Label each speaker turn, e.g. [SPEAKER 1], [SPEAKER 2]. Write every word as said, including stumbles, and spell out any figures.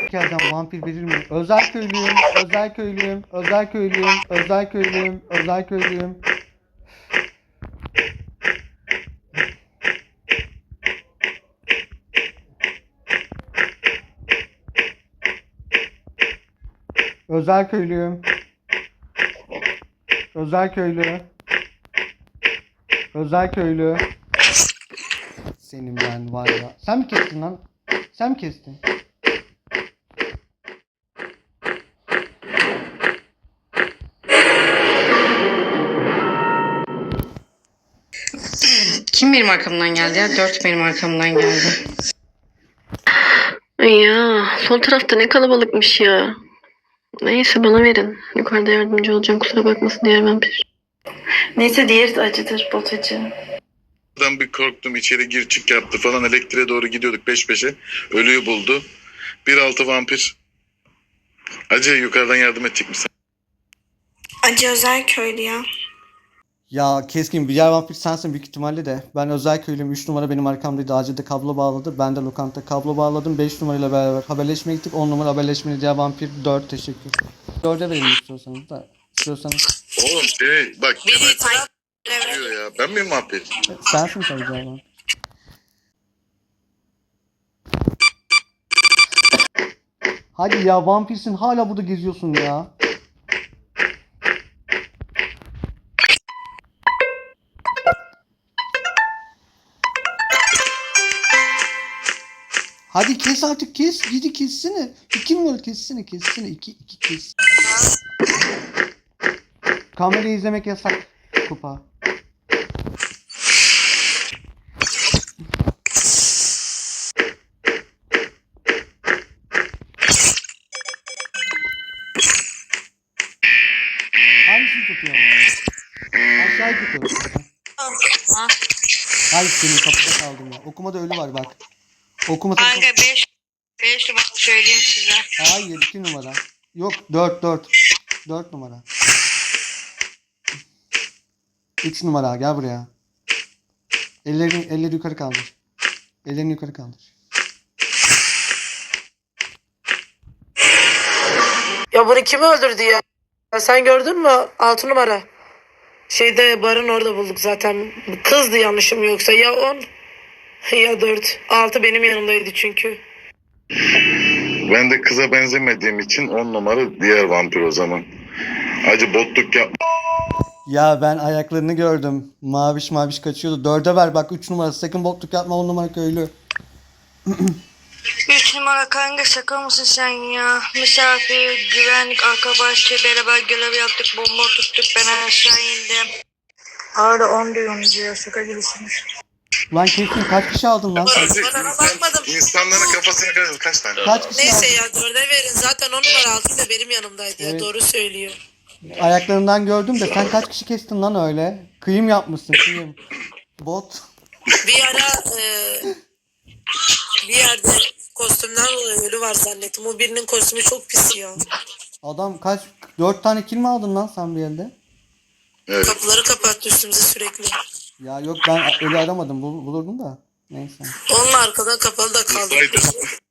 [SPEAKER 1] sikerden vampir verir mi? Özel köylüyüm, özel köylüyüm, özel köylüyüm, özel köylüyüm, özel köylüyüm. Özel köylüyüm. Özel köylü. Özel köylü. Senin ben var ya. Sen mi kestin lan? Sen mi kestin?
[SPEAKER 2] Kim benim arkamdan geldi ya? Dört benim arkamdan geldi.
[SPEAKER 3] Ay ya, sol tarafta ne kalabalıkmış ya. Neyse bana verin. Yukarıda yardımcı olacağım, kusura bakmasın diğer vampir. Neyse diğeri de acıdır, bot acı.
[SPEAKER 4] Ben bir korktum, içeri gir çık yaptı falan, elektriğe doğru gidiyorduk peş peşe. Ölüyü buldu. Bir altı vampir. Acı yukarıdan yardım edecek misin?
[SPEAKER 5] Acı özel köylü ya.
[SPEAKER 1] Ya keskin bir yer vampir sensin büyük ihtimalle de. Ben özel köylüyüm. üç numara benim arkamdaydı. Acilde kablo bağladı. Ben de lokanta kablo bağladım. beş numarayla beraber haberleşmeye gittik. on numara haberleşmeli diğer vampir dört teşekkür. dörde verin istiyorsanız da. İstiyorsanız.
[SPEAKER 4] Oğlum şey bak.
[SPEAKER 5] Biri taraf
[SPEAKER 4] Diyor ya. Ben miyim vampir?
[SPEAKER 1] Sensin tabii diğer vampir. Hadi ya vampirsin hala burada geziyorsun ya. Hadi kes artık kes. Gidi kessene. İki numara kessene kessene. İki, iki kes. Kamerayı izlemek yasak. Kupa. Hangisini tutuyorsun? Aşağıyı tutuyorum. Hayır senin kapıda kaldım ya. Okumada ölü var bak. Okuma
[SPEAKER 5] Kanka beş beş numara söyleyeyim size.
[SPEAKER 1] Hayır iki numara. Yok dört dört. dört numara. üç numara gel buraya. Ellerini, elleri yukarı kaldır. Ellerini yukarı kaldır.
[SPEAKER 6] Ya bunu kim öldürdü ya? Ya sen gördün mü? Altı numara. Şeyde barın orada bulduk zaten. Kızdı yanlışım yoksa. Ya on ya dört. Altı benim yanımdaydı çünkü.
[SPEAKER 4] Ben de kıza benzemediğim için on numara diğer vampir o zaman. Acı botluk yap.
[SPEAKER 1] Ya ben ayaklarını gördüm. Maviş maviş kaçıyordu. Dörde ver bak üç numara. Sakın bokluk yapma on numara köylü.
[SPEAKER 5] Üç numara kanka şaka mısın sen ya? Misafir, güvenlik, arka bahçe beraber görev yaptık. Bomba tuttuk, ben aşağı indim. Hala on diyorum diyor, şaka gibisiniz.
[SPEAKER 1] Lan kesin kaç kişi aldın lan?
[SPEAKER 4] Acı
[SPEAKER 6] Bana
[SPEAKER 4] insan,
[SPEAKER 6] bakmadım.
[SPEAKER 4] insanların kafasına karıştı. Kaç tane?
[SPEAKER 1] Kaç kişi
[SPEAKER 6] Neyse
[SPEAKER 1] aldın?
[SPEAKER 6] ya dörde verin. Zaten on numara altı da benim yanımdaydı ya.
[SPEAKER 1] Evet.
[SPEAKER 6] Doğru söylüyor.
[SPEAKER 1] Ayaklarından gördüm de sen kaç kişi kestin lan öyle? Kıyım yapmışsın kıyım. Bot.
[SPEAKER 6] Bir ara e, bir yerde kostümden dolayı ölü var zannettim. O birinin kostümü çok pis ya.
[SPEAKER 1] Adam kaç? Dört tane kill mi aldın lan sen bir elde?
[SPEAKER 4] Evet.
[SPEAKER 6] Kapıları kapattı üstümüze sürekli.
[SPEAKER 1] Ya yok ben ölü aramadım bul- bulurdum da. Neyse.
[SPEAKER 6] Onunla arkadan kapalı da kaldık.
[SPEAKER 4] Haydi.